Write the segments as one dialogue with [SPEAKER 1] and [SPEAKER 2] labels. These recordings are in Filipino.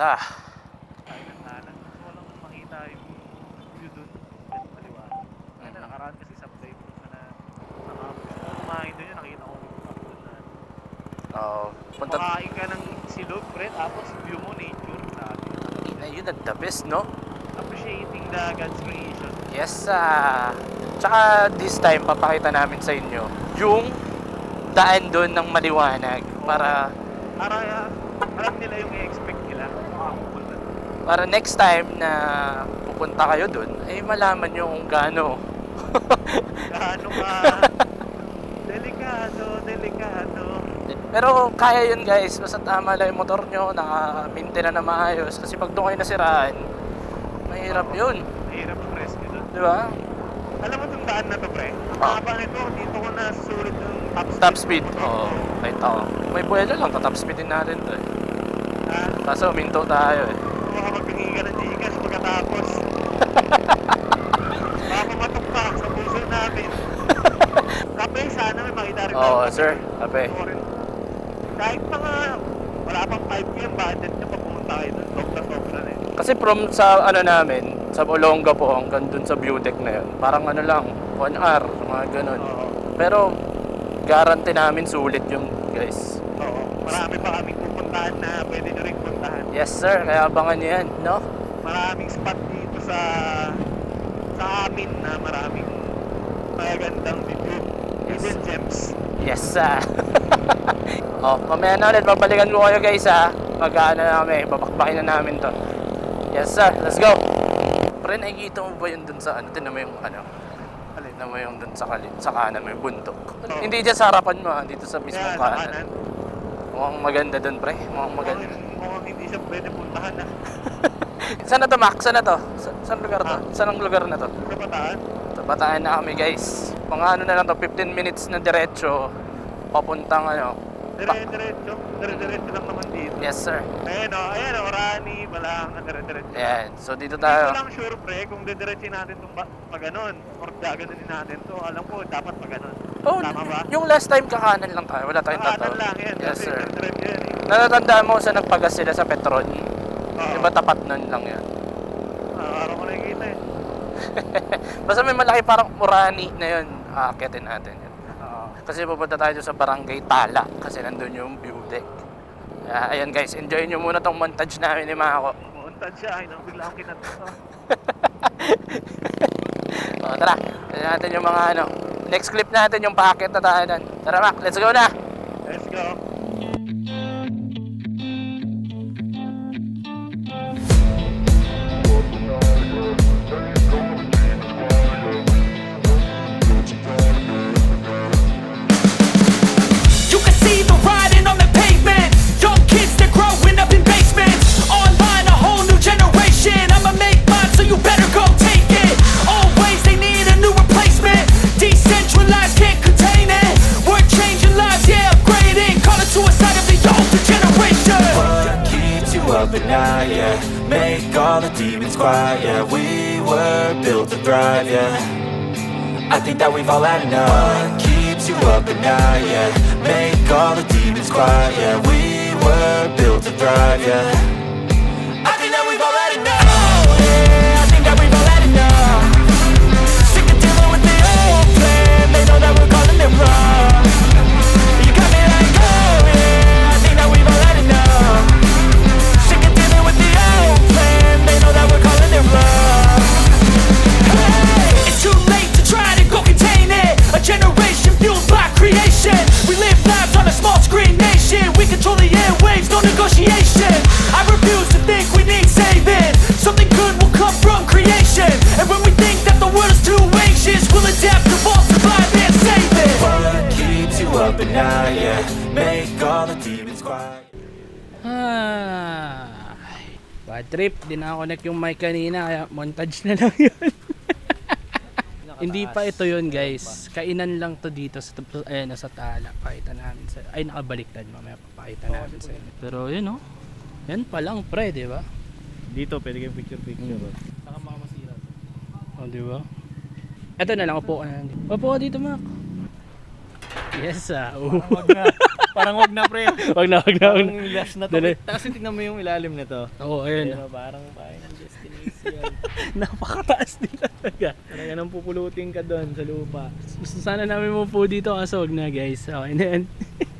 [SPEAKER 1] ah.
[SPEAKER 2] Tayo ng kanan. Gusto ko lang makita yung view dun. At maliwanag. Kaya nakaraan kasi sa playbook na gusto ko kumain dun yun. Nakita ko yung top dun na.
[SPEAKER 1] Oo.
[SPEAKER 2] Makain ka ng silog, pre. Tapos view mo, nature. Sabi.
[SPEAKER 1] Yun ang the best, no?
[SPEAKER 2] Appreciating the God's creation.
[SPEAKER 1] Yes, tsaka this time, papakita namin sa inyo yung daan doon ng maliwanag para
[SPEAKER 2] alam nila yung i-expect nila makapupunta.
[SPEAKER 1] Para next time na pupunta kayo doon, ay malaman nyo kung gaano
[SPEAKER 2] Gaano ka delikado.
[SPEAKER 1] Pero kaya yun guys, basta tama lang yung motor nyo, naka-maintain na maayos. Kasi pag doon kayo nasiraan, mahirap yun.
[SPEAKER 2] Mahirap yung rescue doon.
[SPEAKER 1] Di ba?
[SPEAKER 2] Alam mo itong daan na to, pre? Ang ito, dito ko na susulit yung
[SPEAKER 1] Top speed. Oo, kahit ako. May buwelo lang, top speed din natin to eh. Kaso minto tayo eh.
[SPEAKER 2] Baka magpingi ka ng Gcash pagkatapos. Baka pumatok pa sa puso namin. Kape, sana may makita rin.
[SPEAKER 1] Oo, sir. Kape.
[SPEAKER 2] Kahit pa nga, wala pang 5 yung budget nyo pag pumunta kayo doon. Sobra na eh.
[SPEAKER 1] Kasi from sa ano namin, sa Olonga po hanggang dun sa view deck na yun, parang ano lang, 1 hour, mga ganun. Pero guarantee namin sulit yung guys.
[SPEAKER 2] Oo, marami pa kaming pupuntahan na pwede nyo rin puntahan.
[SPEAKER 1] Yes sir, kaya abangan nyo yan, no?
[SPEAKER 2] Maraming spot dito sa amin na maraming magagandang video. Hidden gems.
[SPEAKER 1] Yes sir. Oh, mamaya na ulit, babalikan ko kayo guys ha. Mag-ano na kami, babakbakin na namin to. Yes sir, let's go. Pre, nakikita mo ba yun dun sa ano? Tinan mo yung ano? Tinan mo yung dun sa kanan mo yung bundok. Hindi dyan sa harapan mo ha, dito sa mismong kanan. Mukhang maganda dun pre, mukhang maganda.
[SPEAKER 2] Mukhang hindi siya pwede puntahan na.
[SPEAKER 1] Saan na to Mac? Saan na to? Saan lugar to? Saan ang lugar na to?
[SPEAKER 2] Sa Bataan?
[SPEAKER 1] Sa Bataan na kami guys. Mga ano na lang to, 15 minutes na diretso. Papuntang ano.
[SPEAKER 2] Dire-diretso lang naman dito.
[SPEAKER 1] Yes sir.
[SPEAKER 2] Ayan o, Rani, Balang, dire-diretso.
[SPEAKER 1] Ayan, so dito
[SPEAKER 2] Hindi
[SPEAKER 1] tayo.
[SPEAKER 2] ko lang sure pre kung didiretsin natin itong pag-ganon or gaganunin natin to. Alam ko dapat pag-ganon.
[SPEAKER 1] Oh,
[SPEAKER 2] tama ba?
[SPEAKER 1] yung last time kakanan lang tayo. Wala tayong
[SPEAKER 2] Kanan
[SPEAKER 1] tataw.
[SPEAKER 2] lang yan.
[SPEAKER 1] Yes sir.
[SPEAKER 2] Diretso yan eh.
[SPEAKER 1] Natatandaan mo sa nagpagas sila sa Petron?
[SPEAKER 2] Oo.
[SPEAKER 1] Diba tapat nun lang yan?
[SPEAKER 2] Araw ko nakikita eh.
[SPEAKER 1] Basta may malaki parang Murani na yun. Aakitin natin yun.
[SPEAKER 2] Oo.
[SPEAKER 1] Kasi pupunta tayo sa Barangay Tala. Kasi nandun yung view deck. Ayan guys, enjoy nyo muna tong montage namin ni Mako.
[SPEAKER 2] Muuntad siya. Ay, bigla akong kinatuto.
[SPEAKER 1] O tara, tignan natin yung mga ano. Next clip natin yung packet na tayo nun. Tara Mac, let's go na!
[SPEAKER 2] Let's go.
[SPEAKER 3] You can see the writing on the pavement. Young kids, they're growing up in basements. Online, a whole new generation. I'ma make mine, so you better go take it. Always, they need a new replacement. Decentralized, can't contain it. We're changing lives, yeah, upgrading. Call it suicide of the older generation.
[SPEAKER 4] What keeps you up at night, yeah? Make all the demons quiet, yeah. We were built to thrive, yeah. I think that we've all had enough. What keeps you up at night, yeah? Make all the demons quiet, yeah. We were built to thrive, yeah. I think that we've all had enough. Oh, yeah, I think that we've all had enough. Sick of dealing with the old plan. They know that we're calling it wrong. You got me like, oh, yeah, I think that we've all had enough. Sick of dealing with the old plan. They know that we're calling it wrong.
[SPEAKER 3] Hey, it's too late to try to go contain it. A generation fueled by creation. We live lives on a small screen nation. We control the airwaves, no negotiation. I refuse to think we need saving. Something good will come from creation. And when we think that the world is too anxious, we'll adapt, evolve, survive and save it.
[SPEAKER 4] What keeps you up at night, yeah? Make all the demons quiet.
[SPEAKER 1] Bad trip, di na-connect yung mic kanina kaya montage na lang yun. Hindi pa ito yun guys. Kainan lang to dito sa sa Tala. Pakita namin sa ay nakabaliktad, mamaya papakita namin sa inyo. Pero yun oh. Yan pa lang pre, di ba?
[SPEAKER 2] Dito, pwede kayong picture.
[SPEAKER 1] Saka makamasira. Oh, di ba? Ito na lang, upo ka na. Upo ka dito, Mac. Yes,
[SPEAKER 2] Wag na. Parang wag na pre.
[SPEAKER 1] Wag na.
[SPEAKER 2] Parang last na to.
[SPEAKER 1] Dali.
[SPEAKER 2] Tapos tingnan mo yung ilalim nito.
[SPEAKER 1] Oo, ayun.
[SPEAKER 2] Pero parang final destination.
[SPEAKER 1] Napakataas din talaga.
[SPEAKER 2] Talaga nang pupulutin ka doon sa lupa.
[SPEAKER 1] Gusto sana namin po dito kaso wag na guys. Okay na yan.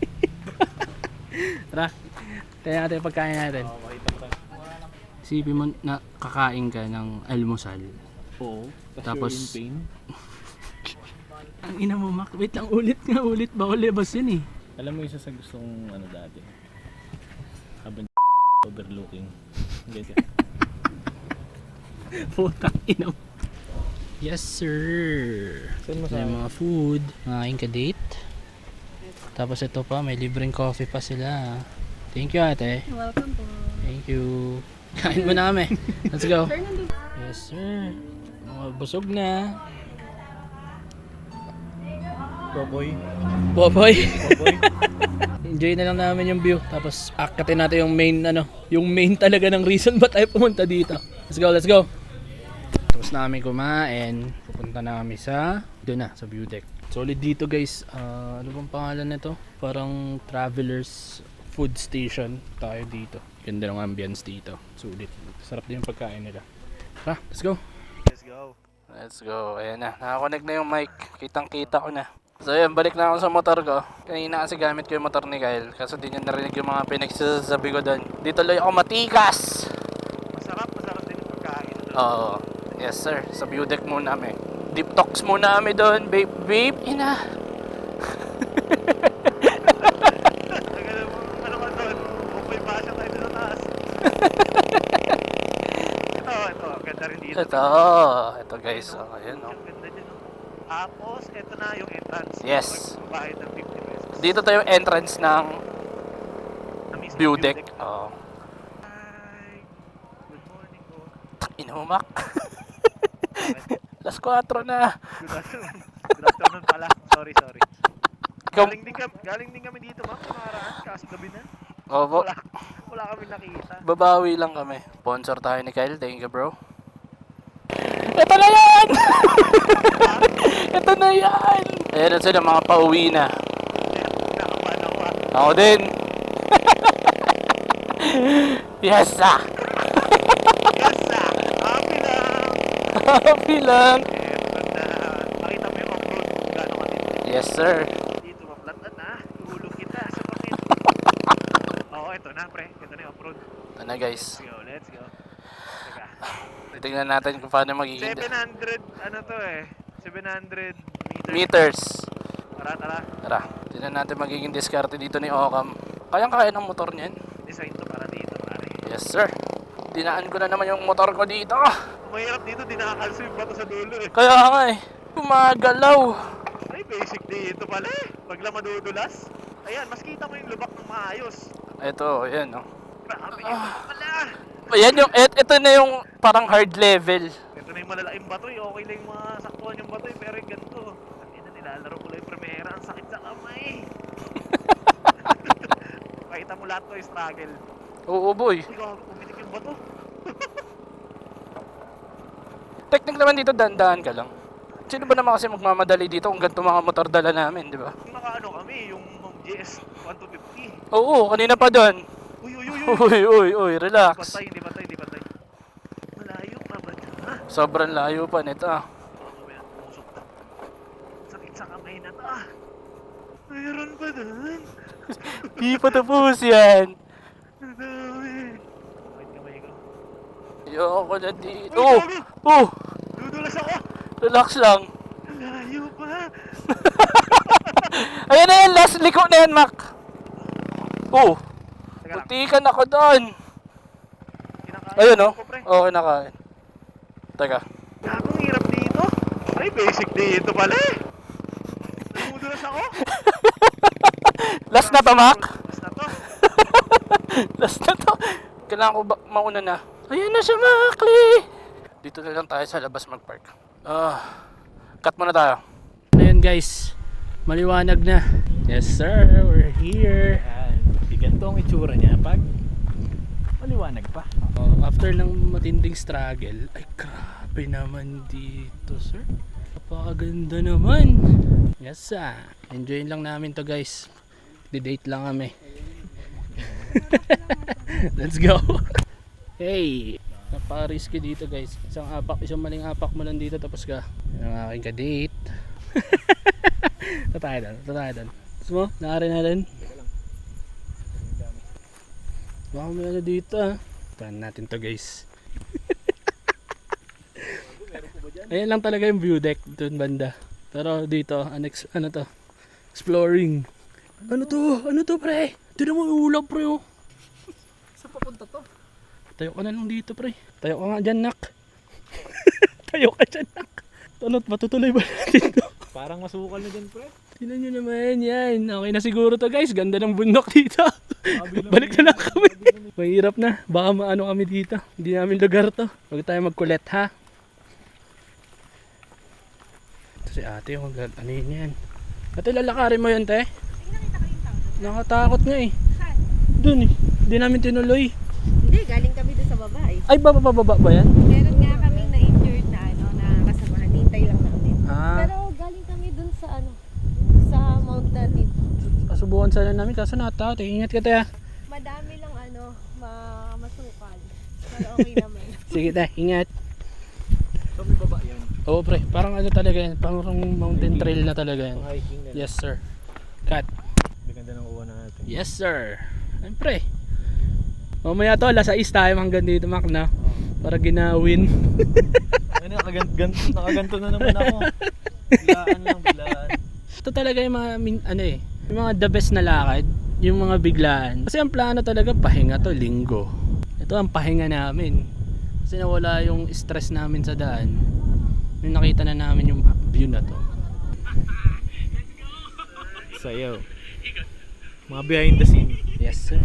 [SPEAKER 1] Tara, tayo natin yung pagkain natin.
[SPEAKER 2] Oo, makita mo tayo.
[SPEAKER 1] Isipin mo na kakain ka ng almusal.
[SPEAKER 2] Oo.
[SPEAKER 1] Tapos-
[SPEAKER 2] Tapos you're in pain.
[SPEAKER 1] Ang ina mo, Mac. Wait lang, ulit. Bawal libas yun eh.
[SPEAKER 2] Alam mo isa sa gustong ano dati. Habang overlooking. Ganyan.
[SPEAKER 1] Putang ina mo. Yes, sir.
[SPEAKER 2] Saan mo
[SPEAKER 1] May mga food. Mga ka-date. Tapos ito pa, may libreng coffee pa sila. Thank you, ate.
[SPEAKER 5] Welcome po.
[SPEAKER 1] Thank you. Kain mo na kami. Let's go.
[SPEAKER 5] Sir, nandun.
[SPEAKER 1] Yes, sir. Mga busog na.
[SPEAKER 2] Boboy.
[SPEAKER 1] Boboy.
[SPEAKER 2] Boboy.
[SPEAKER 1] Enjoy na lang namin yung view. Tapos akatin natin yung main talaga ng reason ba tayo pumunta dito. Let's go. Tapos namin kumain. Pupunta na kami sa doon na, sa view deck. Solid dito guys. Ano bang pangalan nito? Parang Travelers Food Station tayo dito. Ganda ng ambience dito. Sulit. Sarap din yung pagkain nila. Tara, let's go. Let's go. Ayan na. Nakakonect na yung mic. Kitang-kita ko na. So yun, balik na ako sa motor ko. Kanina kasi gamit ko yung motor ni Kyle. Kaso di niya narinig yung mga pinagsasabi ko doon. Dito lang ako matikas!
[SPEAKER 2] Masarap din yung pagkain.
[SPEAKER 1] Oo. Yes sir. Sa view deck muna kami. Deep talks muna kami doon. Babe. Ina.
[SPEAKER 2] Ano ka doon? Bukoy pa siya tayo sa taas. Ito. Ganda rin dito.
[SPEAKER 1] Ito guys. Oh, ayan oh.
[SPEAKER 2] Ang ganda dyan. Tapos, ito na yung entrance.
[SPEAKER 1] Yes.
[SPEAKER 2] Magbabayad ng 50 pesos.
[SPEAKER 1] Dito tayo yung entrance ng
[SPEAKER 2] Na mismo
[SPEAKER 1] view deck. Oo.
[SPEAKER 2] Hi. Good morning po.
[SPEAKER 1] Ina mo, Mac. Alas 4 na.
[SPEAKER 2] Good afternoon. Good afternoon pala. Sorry.
[SPEAKER 1] Ikaw,
[SPEAKER 2] Galing din kami dito, ma'am. Nakaraan. Kaso gabi na.
[SPEAKER 1] oh,
[SPEAKER 2] Wala kami nakita.
[SPEAKER 1] babawi lang kami. Sponsor tayo ni Kyle. Thank you, bro. Ito na yan! Ito na yan! Ayan na sila, mga pauwi na.
[SPEAKER 2] Nakabahan ako ah.
[SPEAKER 1] Ako din. Yes, ah!
[SPEAKER 2] Yes, ah. Happy lang.
[SPEAKER 1] Happy lang.
[SPEAKER 2] Ganda. Makita mo yung off-road kung gaano ka
[SPEAKER 1] Yes, sir.
[SPEAKER 2] dito. Maplatan na. Tuhulog kita sa pakit. Oo, ito na, pre. Ito na yung off-road.
[SPEAKER 1] Ito na, guys.
[SPEAKER 2] Let's go. Teka.
[SPEAKER 1] Titignan natin kung paano magiging
[SPEAKER 2] 700, ano to eh. 700 meters.
[SPEAKER 1] meters.
[SPEAKER 2] Tara.
[SPEAKER 1] Tara, tignan natin magiging diskarte dito ni Ocam. Kayang-kaya ng motor niyan.
[SPEAKER 2] Design to para dito, pare.
[SPEAKER 1] Yes, sir. Dinaan ko na naman yung motor ko dito.
[SPEAKER 2] Kung mahirap dito, di nakakalso yung bato sa dulo eh.
[SPEAKER 1] Kaya nga eh. Gumagalaw.
[SPEAKER 2] Ay, basic dito pala eh. Pag lang madudulas. Ayan, mas kita mo yung lubak ng maayos.
[SPEAKER 1] Ito, ayan oh.
[SPEAKER 2] Grabe yun pala.
[SPEAKER 1] Ayan yung, ito na yung parang hard level.
[SPEAKER 2] Ito na yung malalaking bato eh. Okay lang yung mga saktuan yung bato eh. Pero yung ganito. Ang ina, nilalaro ko lang yung primera. Ang sakit sa kamay. Pakita mo lahat to yung struggle.
[SPEAKER 1] Oo, boy.
[SPEAKER 2] Uy, gago, pumitik yung bato.
[SPEAKER 1] Technique naman dito, dandahan ka lang. Sino ba naman kasi magmamadali dito kung ganito mga motor dala namin, di ba?
[SPEAKER 2] Yung nakaano kami, yung GS 1250.
[SPEAKER 1] Oo, kanina pa doon.
[SPEAKER 2] Uy.
[SPEAKER 1] Relax.
[SPEAKER 2] Hindi patay. Malayo pa ba dyan, ha?
[SPEAKER 1] Sobrang layo pa nito ah.
[SPEAKER 2] Pumusok na. Sakit sa kamay na to, ah. Mayroon pa dun.
[SPEAKER 1] Di pa tapos yan.
[SPEAKER 2] Ang dami. Bakit kamay ko?
[SPEAKER 1] Ayoko na dito.
[SPEAKER 2] Uy, gago!
[SPEAKER 1] Oh!
[SPEAKER 2] Dudulas ako!
[SPEAKER 1] Relax lang.
[SPEAKER 2] Layo pa!
[SPEAKER 1] Ayan na yan, last liko na yan, Mac. Oh!
[SPEAKER 2] Teka lang,
[SPEAKER 1] Butikan ako doon.
[SPEAKER 2] kinakain
[SPEAKER 1] Ayun oh.
[SPEAKER 2] ko, pre.
[SPEAKER 1] Oo, kinakain. Teka.
[SPEAKER 2] Gagong hirap dito. Ay, basic dito pala eh. Dudulas ako.
[SPEAKER 1] Last na to, Mac.
[SPEAKER 2] Basta to.
[SPEAKER 1] Last na to. Kailangan ko mauna na. Ayan na siya, Macli. Dito na lang tayo sa labas mag-park. Cut muna tayo. Ayan guys. Maliwanag na. Yes sir, we're here.
[SPEAKER 2] Ganito ang itsura niya pag maliwanag pa.
[SPEAKER 1] After ng matinding struggle, ay grabe naman dito sir. Napakaganda naman. Yes sir. Enjoyin lang namin to guys. Magdi-date lang kami. Let's go. Hey, napaka-risky dito guys. Isang maling apak mo lang dito tapos ka. Yan ang aking ka-date. Tatay doon. Gusto mo? Nakarin natin. Baka may ano dito ah. Tahan natin to guys. Ayan lang talaga yung view deck doon banda. Pero dito, ano to? Exploring. Ano to pre? Tignan mo yung ulap pre oh.
[SPEAKER 2] Saan papunta to?
[SPEAKER 1] Tayo ka na lang dito pre. Tayo ka nga dyan nak. Tayo ka dyan nak. Tanot, matutuloy ba natin to?
[SPEAKER 2] Parang masukal na dyan, pre.
[SPEAKER 1] Tignan nyo naman yan. Okay na siguro to guys. Ganda ng bundok dito. Balik na lang kami. Mahirap na. Baka maano kami dito. Hindi namin lugar to. Huwag tayo magkulet ha. Ito si ate. Ano yun yan? Ate lalakarin mo yun te. Nakatakot nga eh.
[SPEAKER 5] Saan?
[SPEAKER 1] Doon eh. Hindi namin tinuloy.
[SPEAKER 5] Hindi, galing kami doon sa baba eh.
[SPEAKER 1] Ay baba ba yan?
[SPEAKER 5] Meron nga kaming na-injured na na kasamahan. Hintay lang namin.
[SPEAKER 1] Ah.
[SPEAKER 5] Pero galing kami doon sa sa Mount natin.
[SPEAKER 1] Kasubukan sana namin kaso natakot eh. Ingat ka te ha.
[SPEAKER 5] Madami lang masukal. Pero okay naman.
[SPEAKER 1] Sige te, ingat.
[SPEAKER 2] So may baba yan.
[SPEAKER 1] Oo pre, parang ano talaga yan. Parang mountain trail na talaga yan.
[SPEAKER 2] Hiking na.
[SPEAKER 1] Yes sir. Cut.
[SPEAKER 2] Ganda ng uwan natin.
[SPEAKER 1] Yes sir. Siyempre. Mamaya to, alas 6 tayo hanggang dito Mac na. Para ginawin.
[SPEAKER 2] Ano, nakaganto na naman ako. Bilaan.
[SPEAKER 1] Ito talaga yung mga yung mga the best na lakad, yung mga biglaan. Kasi ang plano talaga pahinga to, linggo. Ito ang pahinga namin. Kasi nawala yung stress namin sa daan. Yung nakita na namin yung view na to.
[SPEAKER 2] Sayaw. Mga behind the scene.
[SPEAKER 1] Yes sir.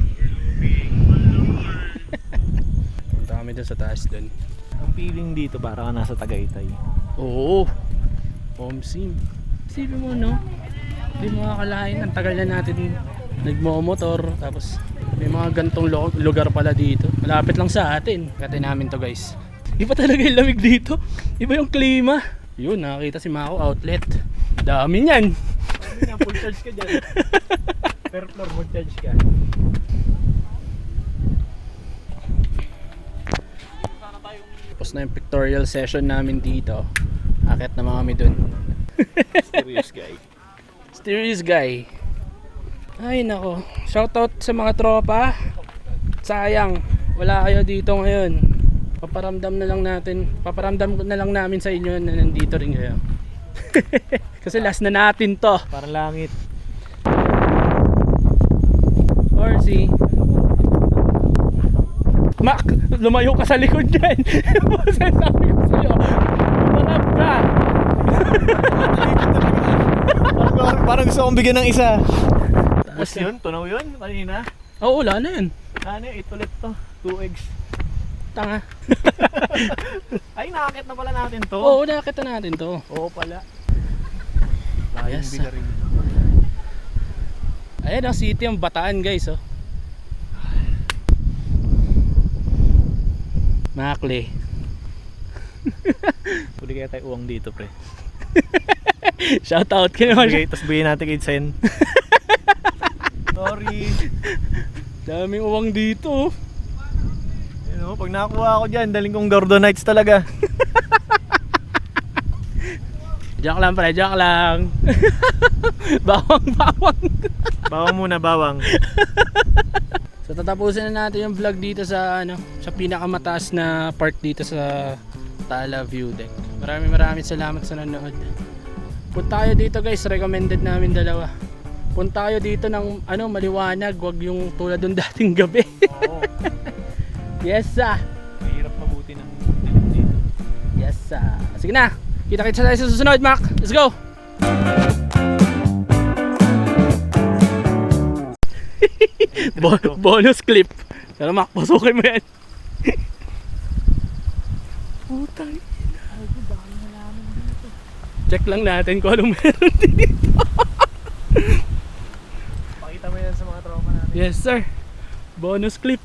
[SPEAKER 1] Punta kami dun sa taas dun.
[SPEAKER 2] Ang feeling dito para ka nasa Tagaytay.
[SPEAKER 1] Oo. Home sim. Isipin mo no. Hindi mo akalain. Ang tagal na natin nagmo-motor. Tapos may mga gantong lugar pala dito. Malapit lang sa atin. Kati namin to guys. Iba talaga yung lamig dito. Iba yung klima. Yun, nakakita si Mako outlet. Dami niyan.
[SPEAKER 2] Full charge ka dyan. Per floor full charge ka.
[SPEAKER 1] Tapos na yung pictorial session namin dito. Akit na mga kami dun.
[SPEAKER 2] Serious guy.
[SPEAKER 1] Mysterious guy. Ay nako. Shoutout sa mga tropa. Sayang, wala kayo dito ngayon. Paparamdam na lang namin sa inyo na nandito rin kayo. Kasi last na natin to.
[SPEAKER 2] Parang langit.
[SPEAKER 1] Orsi. Mac, lumayo ka sa likod dyan. Sabi ko sa'yo, marap ka.
[SPEAKER 2] Parang gusto kong bigyan ng isa. Tapos yun, tunaw yun kanina.
[SPEAKER 1] Oo, wala na yan.
[SPEAKER 2] Ano yun, 8 ulit to. 2 eggs.
[SPEAKER 1] Tanga.
[SPEAKER 2] Ay, nakakit na pala natin to.
[SPEAKER 1] Oo, nakita natin to.
[SPEAKER 2] Oo pala.
[SPEAKER 1] Yes.
[SPEAKER 2] Biga rin.
[SPEAKER 1] Ayan ang city ang Bataan guys oh. Makli.
[SPEAKER 2] Huli kaya tayo uwang dito, pre.
[SPEAKER 1] Shoutout ka naman.
[SPEAKER 2] Tapos bigyan natin kay Sen. Sorry.
[SPEAKER 1] Daming uwang dito.
[SPEAKER 2] You know, pag nakakuha ako dyan, daling kong Gordonites talaga.
[SPEAKER 1] Joke lang pre, joke lang. Bawang.
[SPEAKER 2] Bawang muna, bawang.
[SPEAKER 1] So tatapusin na natin yung vlog dito sa sa pinakamataas na part dito sa Tala View Deck. Maraming salamat sa nanonood. Punta kayo dito guys, recommended namin dalawa. Punta kayo dito ng maliwanag, wag yung tulad ng dating gabi.
[SPEAKER 2] Oo.
[SPEAKER 1] Yes sir.
[SPEAKER 2] Mahirap mabuti ng dilim dito.
[SPEAKER 1] Yes sir. Sige na. Kita-kita tayo sa susunod, Mac. Let's go. Bonus clip. Pero Mac, pasukin mo yan. Putang ina. Check lang natin kung anong meron dito.
[SPEAKER 2] Pakita mo yan sa mga tropa natin.
[SPEAKER 1] Yes sir. Bonus clip.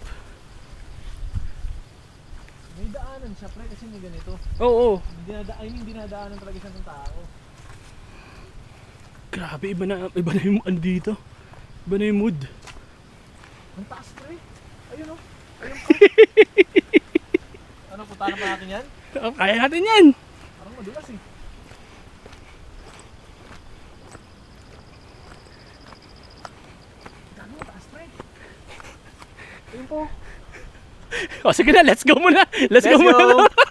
[SPEAKER 2] May daanan siya, pre, kasi may ganito.
[SPEAKER 1] Oo.
[SPEAKER 2] Hindi nadaanan talaga siya ng tao.
[SPEAKER 1] Grabe, iba na yung dito.
[SPEAKER 6] Iba na yung mood.
[SPEAKER 2] Ang taas pre. Ayun o. Ayun pa. Ano, punta na pa natin yan?
[SPEAKER 6] Oh, kaya natin yan.
[SPEAKER 2] Parang madulas eh. Gano'n mo taas pre. Ayun po.
[SPEAKER 6] O sige na, let's go muna. Let's go muna.